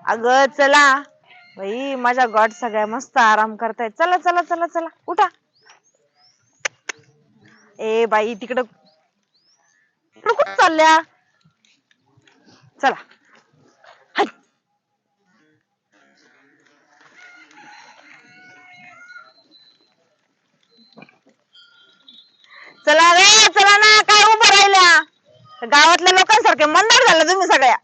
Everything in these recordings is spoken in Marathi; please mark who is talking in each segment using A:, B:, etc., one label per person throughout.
A: अगं चला बाई, माझ्या गॉड सगळ्या मस्त आराम करतायत. चला चला चला चला उठा. ए बाई तिकडं कुठं चालल्या? चला हाय. चला रे चला ना, काय उभं राहिल्या? गावातल्या लोकांसारखे मंदार झाला तुम्ही सगळ्या.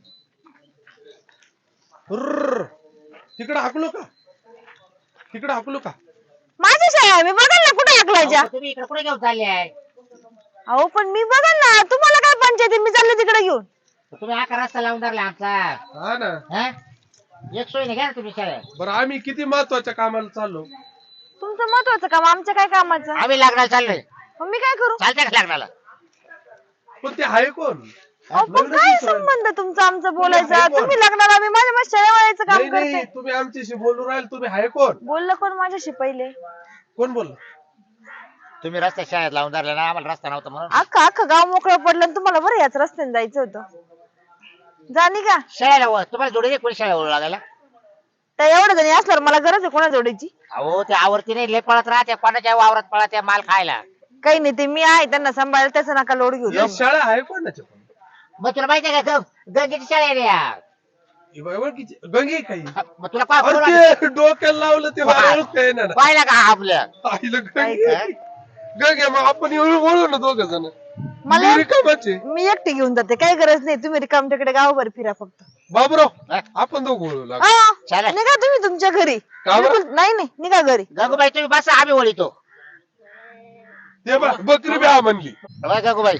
B: तिकडे हाकलो का? तिकडे हाकलो का?
A: माझी शाळा आहे, मी बघाल ना कुठे हाकलायच्या.
C: तुम्ही इकडे कुठे घेऊन चालले आहे?
A: अहो पण मी बघाल ना, तुम्हाला काय पंचायती, मी चालले तिकडे घेऊन.
C: तुम्ही हा रस्ता लावून धरला आमचा.
B: हा ना.
C: हा? एक सोय नाही घ्या ना तुम्ही शाळेत.
B: बरं आम्ही किती महत्वाच्या कामाला चाललो.
A: तुमचं महत्वाचं काम, आमचं काय कामाचं?
C: आम्ही लग्नाला चाललोय.
A: मग मी काय करू?
C: चालतंय का लग्नाला?
B: पण ते आहे कोण?
A: अहो, पण काय संबंध तुमचा आमचं बोलायचा? तुम्ही लग्नाला, मी माझ्या शाळेत वळायचं काम
B: नाही नाही,
A: करते.
B: तुम्ही आमच्याशी बोलू राहिले. तुम्ही आहे कोण?
A: बोललं कोण माझ्याशी पहिले?
B: कोण बोललं?
C: तुम्ही रस्त्या शाळेत लावून धरला ना, आम्हाला रस्ता नव्हता म्हणून.
A: अख्खं गाव मोकळं पडलं आणि तुम्हाला बरं याच रस्त्याने जायचं होतं. जाणी का?
C: शाळेला तुम्हाला जोडी नाही कोणी शाळेला लागायला?
A: तर एवढं जणी असल्यावर मला गरज आहे कोणा जोडीची?
C: अहो ते आवरती नाही, लय पळत राहते, कोणाच्या वावरात पळत माल खायला.
A: काही नाही, ते मी आहे त्यांना सांभाळायला, त्याचा नका लोड घेऊ.
B: ही शाळा आहे कोणाच्या?
C: मग तुला माहिती आहे का गंगेची शाळा आहे या.
B: ही बाई ओळखीची गंगे काही?
C: मग तुला काय
B: अरे ते डोक्याला लावलं ते काय ना
C: पाहिला का आपल्या?
B: आईला गंगे. गंगे मग आपण ओळू ना दोघ जण.
A: मला
B: रिकामाचे.
A: मी एकटी घेऊन जाते, काही गरज नाही. तुम्ही रिकाम तिकडे गावभर फिरा फक्त.
B: बाबूराव आपण दोघं ओळू लागलो.
A: हा,
C: चला.
A: निघा तुम्ही तुमच्या घरी.
B: का बरं?
A: बिलकुल नाही नाही, निघा घरी.
C: गंगूबाई तुम्ही बसा, आम्ही ओळीतो.
B: ते बघ बकरी बी हा म्हणली.
C: बघा गंगूबाई,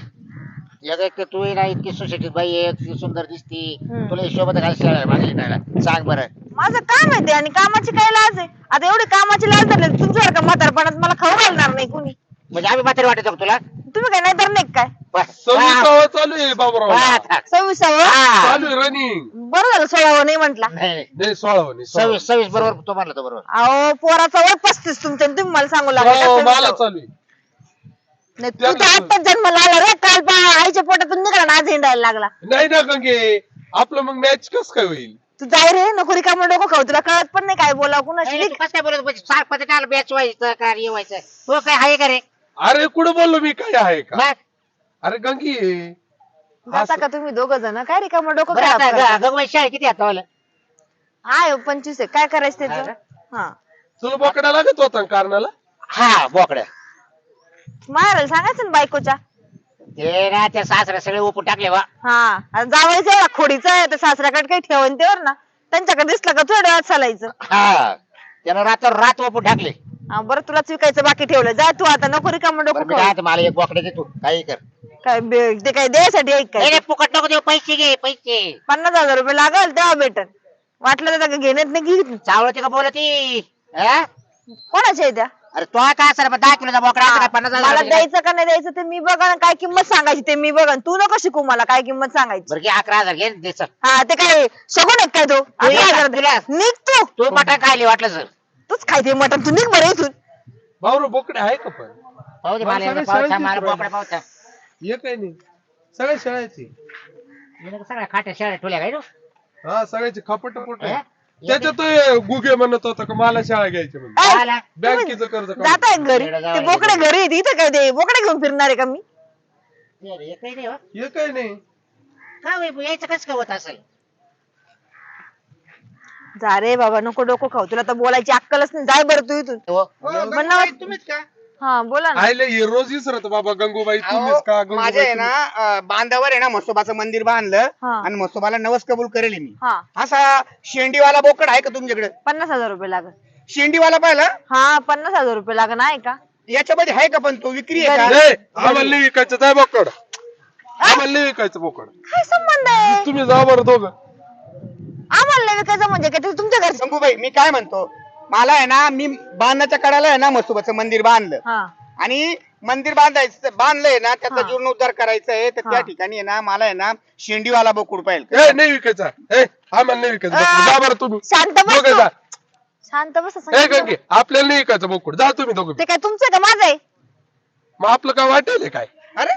C: एक तू ना इतकी सुशिक्षित बाई आहे, इतकी सुंदर दिसती. तुला हिशोबात काय शाळा आहे माझ्या इथं? सांग बरं.
A: माझं काम आहे ते, आणि कामाची काय लाज आहे? आता एवढी कामाची लाज धरली तुमच्यासारखं म्हातारपणात मला खाऊ घालणार नाही कुणी.
C: म्हणजे आम्ही म्हातारी वाटतो का तुला?
A: तुम्ही काय नाही तर नाही काय?
C: बस.
B: 26 चालू आहे बाबूराव.
C: हा.
A: 26व?
C: हा.
B: चालू आहे रनिंग.
A: बरं झालं 16व नाही म्हटला.
C: नाही,
B: नाही 16
C: 26 बरोबर तो म्हणला तो बरोबर.
A: अहो पोराचा वय 35 तुमच्या, आणि तुम्ही मला सांगू लागला का
B: मला
A: 26व?
B: चालू आहे.
A: नाही, तू तर आत्ताच जन्माला आला रे. काल आईच्या पोटातून निघाला ना, आज हिंडायला लागला.
B: नाही ना गंगे, आपलं मग मॅच कस काय होईल?
A: तू जाय रे, नको रिकामं डोकं खाऊ. तुला कळत पण नाही काय बोलावं कुणाशी.
C: नाही, तू कसं काय बोलत सारखं त्याला बॅच व्हायचं का येवायचं? तो काय आहे का रे?
B: अरे कुठं बोललो मी, काय आहे का?
C: बघ.
B: अरे गंगी
A: जाता का तुम्ही दोघं जण? काय रिकामं डोकं
C: बरं
A: खराब
C: आता
A: करता?
C: गंगूबाई शाळा किती आता वाला?
A: आहे 25 आहे. काय करायचं त्याचं? हा,
B: तुला बोकडा लागत होता ना कारणाला?
C: हा बोकड्या.
A: मारायला सांगायचं ना बायकोच्या.
C: ते ना त्या सासऱ्या सगळे ओपून टाकले वा.
A: हा, जावायचं एवढा खोडीचा आहे, तर सासऱ्याकडे काही ठेवून तेवर ना. त्यांच्याकडे दिसलं का थोड्या वेळात चालायचं.
C: हा, त्यानं रात ओपून टाकले.
A: हा, बरं तुलाच विकायचं बाकी ठेवलं. जा तू आता, नको रिकामं
C: बरं,
A: डोकं
C: मी
A: खाऊ.
C: काय आता मला एक बोकडे दे तू, काही कर.
A: काय ते काय द्यायसाठी ऐक
C: नाही
A: काय?
C: नाही, फुकट नको देऊ, पैसे घे पैसे.
A: 50,000 रुपये लागल तेव्हा भेटल. वाटलं तर घेण्यात नाही घे.
C: चावळते का बोलती? हा?
A: कोणाच्या आहे त्या?
C: अरे तो काय सर 10 किलोचा बोकडा आता काय 50,000
A: मला
C: चा?
A: द्यायचं का नाही द्यायचं ते मी बघा, काय किंमत सांगायची ते मी बघा. तू नको शिकू मला काय किंमत सांगायची.
C: बरं घे 11,000 घे दे चल.
A: हा, ते काय शगून आहे काय तो?
C: ये,
A: 11,000
C: तुला.
A: निघ तू.
C: तू मटण खायले वाटलं सर.
A: तूच खायते मटण, तू निघ बरं इथून.
B: बाबूराव बोकडे आहे का पण?
C: पाहू दे मला
B: सगळे
C: एकदा पावसा
B: शाळेत
C: मला
B: शिकवायला.
C: बोकडा पावसा.
B: हे काही नाही, सगळ्या शाळेची.
C: सगळ्या खाट्या शाळेत ठेवल्या काय तू?
B: हा सगळ्याची खपट पोट
C: हा?
B: त्याच्यात गुगे म्हणत होता का मला शाळा घ्यायची म्हणून.
A: ऐ,
C: आला.
B: बँकेचं कर्ज काढून.
A: जाताय घरी,
C: इकडे
A: ते
C: जावं
A: बोकडे घरी आहेत. इथं काय ते बोकडे घेऊन फिरणार आहे का मी?
C: ते एकही नाही हो.
B: हे काही नाही.
C: का होय, यायचं कसं काय होत असेल?
A: जा रे बाबा, नको डोकं खाऊ. तुला तर बोलायची अक्कलच नाही. जाय बरं तू इथून.
C: हो.
A: म्हणणार
D: तुम्हीच का?
A: हा बोला ना.
B: आयले हे रोज विसरत बाबा गंगूबाई तुम्हीच का?
D: अहो, माझ्या आहे
B: गंगूबाई
D: ना बांधावर आहे ना म्हसोबाचं मंदिर बांधलं
A: हा.
D: आणि म्हसोबाला नवस कबूल करेल मी.
A: हा,
D: असा शेंडीवाला बोकड आहे का तुमच्याकडे?
A: 50,000 रुपये लागल.
D: शेंडीवाला पाहिला?
A: हा, 50,000 रुपये लागल. आहे का?
D: याच्यामध्ये आहे का पण तो विक्री आहे
B: तुम्ही.
D: का?
B: ए, आम्हाला नाही विकायचं जाय बोकड. आम्हाला नाही विकायचं बोकड.
A: काय संबंध आहे?
B: तुम्ही जा बरं दोघं.
A: आम्हाला नाही विकायचं म्हणजे काय? ते तुमच्या घरचं.
D: शंभूबाई मी काय म्हणतो, मला आहे ना मी बांधण्याच्या कडाला आहे ना म्हसोबाचं मंदिर बांधलं
A: हा,
D: आणि मंदिर बांधलंय ना त्याचा
A: हा.
D: जीर्णोद्धार करायचा आहे, तर त्या
A: हा.
D: ठिकाणी आहे ना मला आहे ना शेंडीवाला बोकड पाहिजे.
B: ए नाही विकायचा. ए आम्हाला नाही विकायचं बोकड. जा बरं तुम्ही
A: शांत बस
B: दोघं
A: तू.
B: जा.
A: शांत बस.
B: ए
A: सांगितलं
B: गंगे आपल्याला नाही विकायचं बोकड. जा तुम्ही दोघं.
A: ते काय तुमचं का माझं आहे?
B: मग आपलं काय वाटेल काय?
D: अरे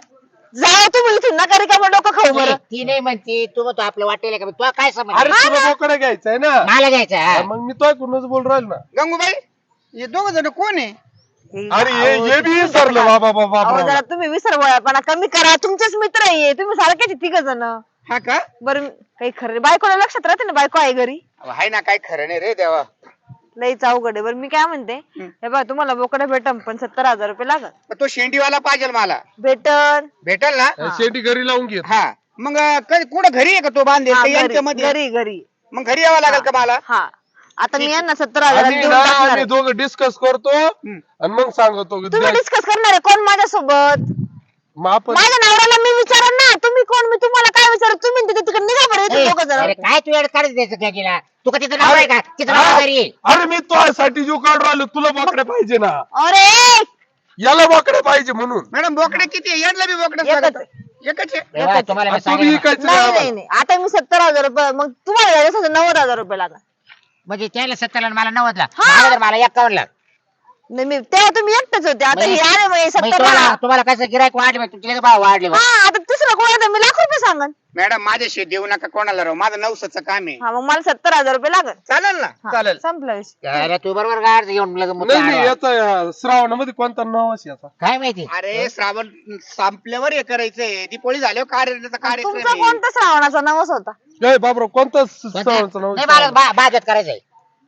A: जा तुम्ही इथून नका रिकामं डोकं खाऊ बरं.
C: ती नाही म्हणती तू म्हणतो आपलं वाटेल का तुला काय समज
B: अरे तुला बोकडा घ्यायचा आहे ना
C: मला घ्यायचं हा.
B: मग मी तो कुणच बोल राहील ना.
D: गंगूबाई हे दोघ जण कोण आहे?
B: अरे हे बी विसरलं बाबा बाबा
A: अहो,
B: बाबा.
A: जरा तुम्ही विसरवळपणा कमी करा. तुमचेच मित्र आहे तुम्ही सारखेच तिघ जण.
D: हा का?
A: बरं काही खरं बायकोला लक्षात राहते ना बायको आहे घरी.
D: अहो, हाय ना, काय खरं नाही रे देवा.
A: लईच अवघड आहे. बरं मी काय म्हणते हे बघा तुम्हाला बोकडे भेटन पण 70,000 रुपये लागत.
D: तो शेंडीवाला पाहिजे मला.
A: भेटन
D: भेटल ना?
B: शेती घरी लावून घेत.
D: हा मग कुठं घरी आहे का तो बांधेल
A: हा,
D: का
A: घरी
D: यांच्यामध्ये?
A: घरी घरी.
D: मग घरी यावं लागेल का मला?
A: हा आता मी यांना 70,000
B: आम्ही
A: देऊन
B: ना
A: टाकणार
B: आम्ही
A: आहे.
B: दोघं डिस्कस करतो आणि मग सांगतो.
A: तुम्ही डिस्कस करणार आहे कोण माझ्यासोबत?
B: मग आपण
A: माझ्या नवऱ्याला मी विचारन ना. तुम्ही कोण मी तुम्हाला काय विचार? तुम्ही तिथे तिकडे निघा बरं इथे दोघं जण.
C: अरे काय तू एवढं काढत द्यायचं त्या गेला तू का तिथं नाव आहे का तिथं नाव घरी आहे.
B: अरे मी तुझ्यासाठी जीव काढून राहिलो. तुला बोकडे पाहिजे ना.
A: अरे
B: याला बोकडे पाहिजे म्हणून.
D: मॅडम बोकडे किती आहे? यांना बी बोकडे
A: एकच
D: सांगत.
A: आहे.
D: एकच आहे.
C: तेव्हा तुम्हाला मी
B: तू बी
C: सांगेन ना.
B: इकायचं
A: नाही
B: नाही
A: नाही नाही आता मी 70,000 रुपये मग तुम्हाला द्यायचं असेल 90,000 रुपये लागला.
C: म्हणजे त्याला 70 ला मला 90 ला मला तर मला 51 ला.
A: नाही मी तेव्हा तुम्ही एकटेच होते आता हे आले मग
C: म्हणजे
A: 70
C: तुम्हाला कसं गिरायक वाढले तुमचे भाव वाढले
A: हा आता तिसरं कोणाला मी लाख रुपये सांगन.
D: मॅडम माझ्याशी देऊ नका कोणाला राव. माझं नवसाचं काम आहे.
A: हा मग मला 70,000 रुपये लागत.
D: चालेल ना? चालेल.
A: संपला विषय.
C: अरे तू बरोबर गाड घेऊन लगेच मुद्दा
B: नाही नाही
C: आडवा.
B: याचा श्रावणामध्ये कोणता नवस याचा.
C: काय माहिती
D: अरे श्रावण संपल्यावर हे करायचंय. दीपोळी झाल्यावर कार्यक्रम
A: तुमचा
D: आहे.
A: कोणता श्रावणाचा नवस होता?
B: जय बाबराव कोणता
C: कोणता?
B: श्रावणाचा नवस.
C: नाही मला बाजवत करायचंय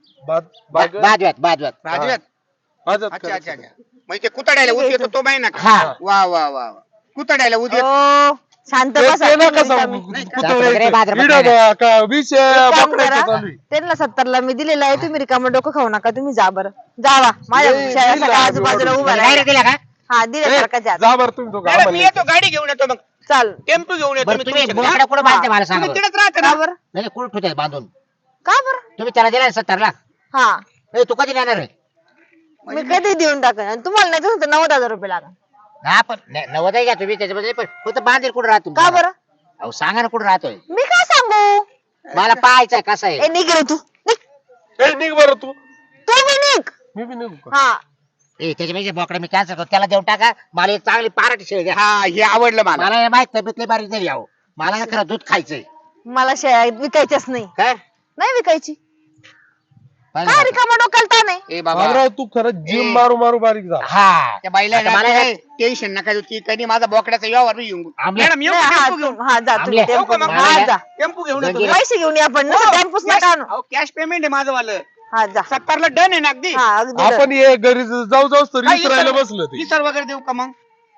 C: बाजवत
D: राजवत.
B: आजात
D: अच्छा
B: करायचं.
D: अच्छा अच्छा. म्हणजे ते कुतड्याला उद येतो तो महिना का?
C: हा.
D: वा वा वा वा. कुतड्याला उद येतो.
A: ओ शांत
B: ते-
A: बसा
B: ते नका
A: तुम्ही
B: सांगू.
A: रिकामी.
B: कुत्र्याचं.
C: वगैरे बाजारात
B: इडं
C: बघायला.
B: का विष
A: एक काम
B: बोकड्याचं
A: करा,
B: चालू आहे.
A: त्यांना 70 ला मी दिलेलं आहे तुम्ही रिकामं डोकं खाऊ नका. तुम्ही जा बरं जावा माझ्या
B: नाही,
A: शेळ्यासारखं
B: दिला
A: आजूबाजूला
B: आम्ही
A: उभा
C: डायरेक्ट
A: राहा.
C: दिला का
A: हा दिल्यासारखं
B: ए,
A: जा
B: जा बरं तुम्ही दोघं.
D: मॅडम
B: आम्हाला
D: मी येतो गाडी घेऊन येतो. मग
A: चाल.
D: टेम्पो घेऊन येतो.
C: बरं
D: मी
C: तुम्ही
D: तुमच्याकडे.
C: बोकडा कुठं बांधते मला सांगा
D: तुम्ही
C: बरं.
D: तिकडेच राहता
A: का
D: ना?
A: बरं?
C: नाही कुठं ठेवताय बांधून
A: का बरं?
C: तुम्ही त्याला दिला 70 ला
A: हा
C: नाही तू कधी देणार आहे
A: मी कधी देऊन टाकेन आणि तुम्हाला नाही तर 90,000 रुपये लागा.
C: हा पण 90 घ्या तुम्ही त्याच्यामध्ये पण फक्त बांधील कुठं राहतो
A: का बरं?
C: अहो सांगा ना कुठं राहतोय
A: मी काय सांगू?
C: मला पाहायचंय कसं आहे
A: ए निघ रे तू निघ.
B: ए, निघ बरं तू.
A: तू बी निघ.
B: मी बी निघू का?
A: हा
C: ए त्याच्यापेक्षा बोकडा मी कॅन्सल करतो त्याला देऊन टाका मला एक चांगली पाराठी शेळी द्या
D: हा हे आवडलं मला.
C: मला माहित तब्येतली बारीक झाली अहो मला ना खरं दूध खायचंय
A: मला शेळ्या विकायच्याच नाही.
C: काय
A: नाही विकायची.
C: पाहिलं
A: काय
C: का?
A: रिकामा डोक्याला ताण आहे?
D: ए बाबा
B: बाबराव तू खरंच जिम मारू मारू बारीक झाला.
C: हा
D: त्या बाईला
C: आता मला काय-
D: टेन्शन नका देऊ. ती कधी माझा बोकड्याचा व्यवहार बी येऊन.
C: आमल्या-
D: मॅडम येऊ
A: नाही,
D: का?
A: हा
D: टेम्पो घेऊन.
A: हा जा तुम्ही
C: आमल्या-
A: टेम्पो
D: हो का मग?
A: हा जा.
D: टेम्पो घेऊन येतो.
C: गंगेला-
A: पैसे घेऊन या पण ना टेम्पोच नका आणू.
D: कॅश पेमेंट आहे माझं वालं.
A: हा जा.
D: 70 ला डन आहे ना अगदी.
A: हा अगदी
B: आपण ये घरी जाऊ जाऊच तर
D: काय
B: विसरायला
D: इसर-
B: बसलं ते.
D: इसर वगैरे देऊ का मग?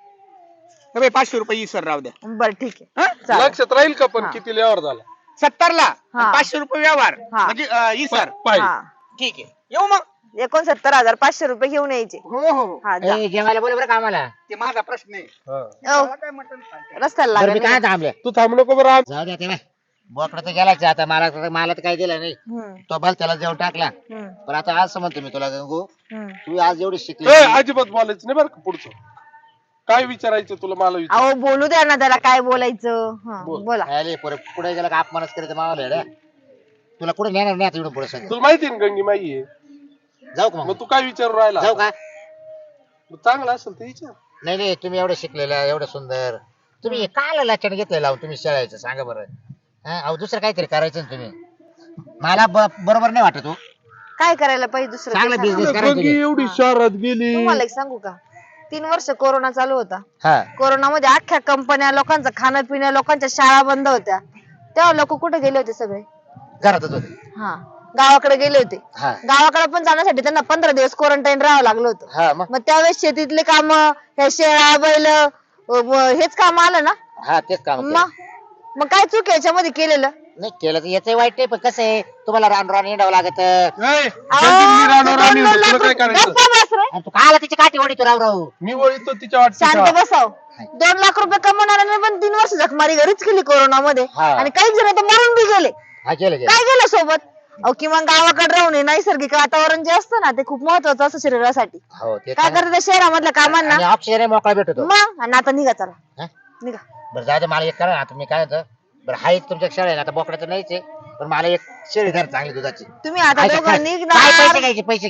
D: ए बाई, 500 रुपये इसर राहू द्या.
A: बरं ठीक आहे.
D: हं?
A: चालेल.
B: लक्षात राहील का पण
A: हा.
B: किती लेवर झाला.
D: 70 ला
A: हा.
D: 500 रुपये व्यवहार
A: हा.
D: म्हणजे इसर.
B: पाहिजे.
A: हा
D: ठीक आहे. येऊ मग.
A: 69,500 रुपये घेऊन यायचे.
D: हो हो हो.
A: हा जा.
C: ए, जेवायला बोल बरं का आम्हाला
D: ते माझा प्रश्न आहे.
B: हा.
A: ओ,
D: मला काय मटण खायचं?
A: रस्त्याला
C: बरं मी
A: लागेल.
C: काय थांबले
B: तू थांबू नको बरं.
C: जाऊ द्या तेव्हा बोकडा तर गेलाच आता मला तर काही दिलं नाही तो भल त्याला जेवण टाकला पण आता आज म्हणतो मी तुला गंगू तू आज एवढी शिकली
B: ए, अजिबात बोलायचं नाही बरं का पुढचं. काय विचारायचं तुला मला विचार.
A: अहो बोलू द्या ना त्याला काय बोलायचं. हा,
B: बोल.
A: बोला.
C: अरे पुढे गेला का अपमानच करायचं मावाला येड्या. तुला कुठे नेणार नाही आता एवढं पुढे सगळं
B: तुला माहिती आहे ना गंगी माई आहे.
C: जाऊ का
B: मग
C: मग
B: तू काय विचारू राहिला.
C: जाऊ का
B: मग चांगलं असेल तर विचार.
C: नाही नाही तुम्ही एवढं शिकलेलं एवढं सुंदर तुम्ही काय लक्षण घेतलं लावून तुम्ही शेळायचं सांगा बरं हा, अहो दुसरं काहीतरी करायचं ना तुम्ही मला बरोबर नाही वाटत हो
A: काय करायला पाहिजे दुसरं
C: चांगला
A: ते सांगा.
C: business करायचं
B: गंगी
C: नाही.
B: एवढी शहरात गेली.
A: तुम्हाला एक सांगू का 3 वर्ष कोरोना चालू होता.
C: हा
A: कोरोनामध्ये अख्ख्या कंपन्या लोकांचं खाणं पिणं लोकांच्या शाळा बंद होत्या. तेव्हा लोक कुठे गेले होते सगळे?
C: घरातच होते
A: हा गावाकडे गेले होते.
C: हा
A: गावाकडे पण जाण्यासाठी त्यांना 15 दिवस क्वारंटाईन राहावं लागलं होतं.
C: हा मग
A: मग त्यावेळेस शेतीतले काम ह्या शेळा बैल हेच काम आलं ना.
C: हा तेच काम केलं.
A: मग काय चूक आहे याच्यामध्ये केलेलं?
C: नाही केलं तर याच वाईट नाही पण कसं आहे तुम्हाला रान रान हिंडावं लागत
B: ए,
A: अहो,
B: गंगी, मी राहणार
A: ते
B: आणि
A: 2
B: तुला
A: लाख
B: काय
A: रुपये-
B: करायचं.
A: गप्पा बस रे.
C: आणि तू काला तिची काठी ओढी तू राव राहू
B: मी वळतो तिच्या वाटत.
A: शांत बसाव. 2 लाख रुपये कमवणाऱ्याने पण 3 वर्ष जखमारी घरीच केली कोरोनामध्ये.
C: हा.
A: आणि काही जण तर मरून बी गेले.
C: हा केलं केलं
A: काय गेलं सोबत? अहो किमान गावाकडे राहून हे नैसर्गिक वातावरण जे असतं ना ते खूप महत्वाचं असतं शरीरासाठी.
C: हो ते
A: काय करतात त्या शहरामधल्या कामांना?
C: आणि ऑप्शन मोकळा भेटतो
A: मग आणि आता निघा चला
C: हा?
A: निघा.
C: बरं जाऊ दे मला एक करा आता मी काय होतं बरं हाय तुमच्या शेळ्या आहे ना, आता बोकड्याचं नाहीच आहे पण मला एक शेळी धर चांगली दुधाची
A: तुम्ही आता
C: ऐका,
A: दोघं
C: काय पैसे
A: निघणार.
C: घ्यायचे पैसे घ्या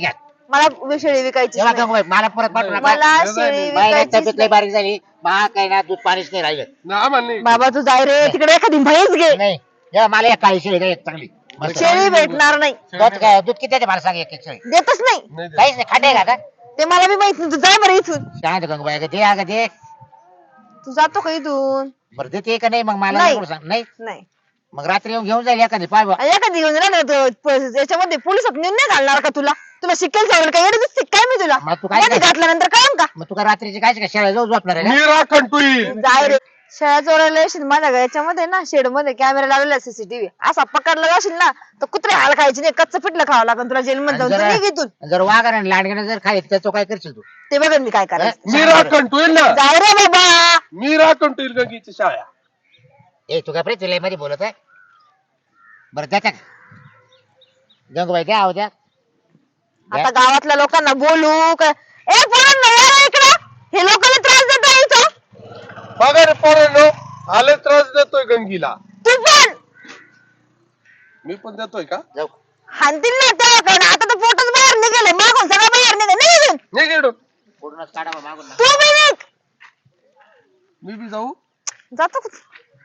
A: मला शेळी विकायची
C: तेव्हा
A: नाही.
C: गंगूबाई मला परत पाठवू नका.
A: मला
B: नाही,
A: शेळी
B: नाही,
C: बाई,
A: विकायची
C: तब्येत लई बारीक झाली मा काही ना दूध पाणीच नाही राहिलं.
B: ना आम्हाला नाही.
A: बाबा तू जाय रे तिकडे एखादी म्हैस घे.
C: नाही या मला एक काळी शेळी द्या, एक चांगली मस्त.
A: शेळी भेटणार नाही.
C: दूध काय दूध किती आहे ते मला सांग एक एक शेळी.
A: देतच नाही.
B: नाही देत.
C: काहीच नाही खांडे आहे का आता?
A: ते मला बी माहित नाही. तू जाय बरं इथून.
C: सांग गंगूबाई अगं दे अगं दे.
A: तू जातो का इथून?
C: बरं देते का नाही मग मला
A: नाही.
C: नको सांग. नाही
A: नाही
C: मग रात्री येऊन घेऊन जाईल एखादी पाय बा.
A: आणि एखादी घेऊन राहणार याच्यामध्ये पोलिसात नेऊन नाही घालणार का तुला? तुला शिकेल सवड काय एवढं दिसते काय मी तुला?
C: मग तू काय
A: मध्ये
C: कर?
A: घातल्यानंतर कळन का?
C: मग तुका रात्रीची काय का शेळ्या जाऊ झोपणार आहे का?
B: मी राखण तू येईल.
A: जाय रे. शेळ्या चोरायला येशील माझ्या याच्यामध्ये ना शेड मध्ये कॅमेरा लावलेला सीसीटीव्ही असा पकडला जाशील ना तर कुत्रे हाल खायचे नाही कच्चं पिठलं खावं लागेल तुला जेलमध्ये जाऊन. तू निघ इथून.
C: जर वाघाने लांडग्याने जर खायचं त्याचं काय करशील तू?
A: ते बघन मी काय करायचं.
B: मी राखण तू येईल ना.
A: जाय रे बाबा.
B: मी राखण तू येईल गंगीची शाळा.
C: ए तू काय प्रीती मध्ये बोलत आहे? बरं द्या गंगूबाई द्या द्या.
A: आता गावातल्या लोकांना बोलू काय? ए पोरांनो या रे इकडं. हे लोकांना त्रास देता इथं.
B: बघा रे पोरांनो आले त्रास देतोय गंगीला.
A: तू पण
B: मी पण देतोय का?
C: जाऊ
A: हाणतील ना त्याकडे. आता तर पोटच बाहेर निघाले मागून सगळं बाहेर निघाल.
B: नाही गेलो.
C: पूर्णच काढा मागून ना.
A: तू बी निघ.
B: मी बी जाऊ.
A: जातो का?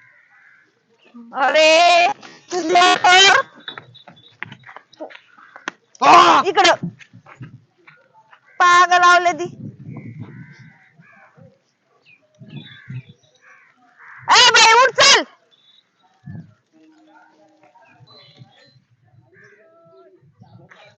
A: अरे तुझ्या इकडं पाग लावले ती.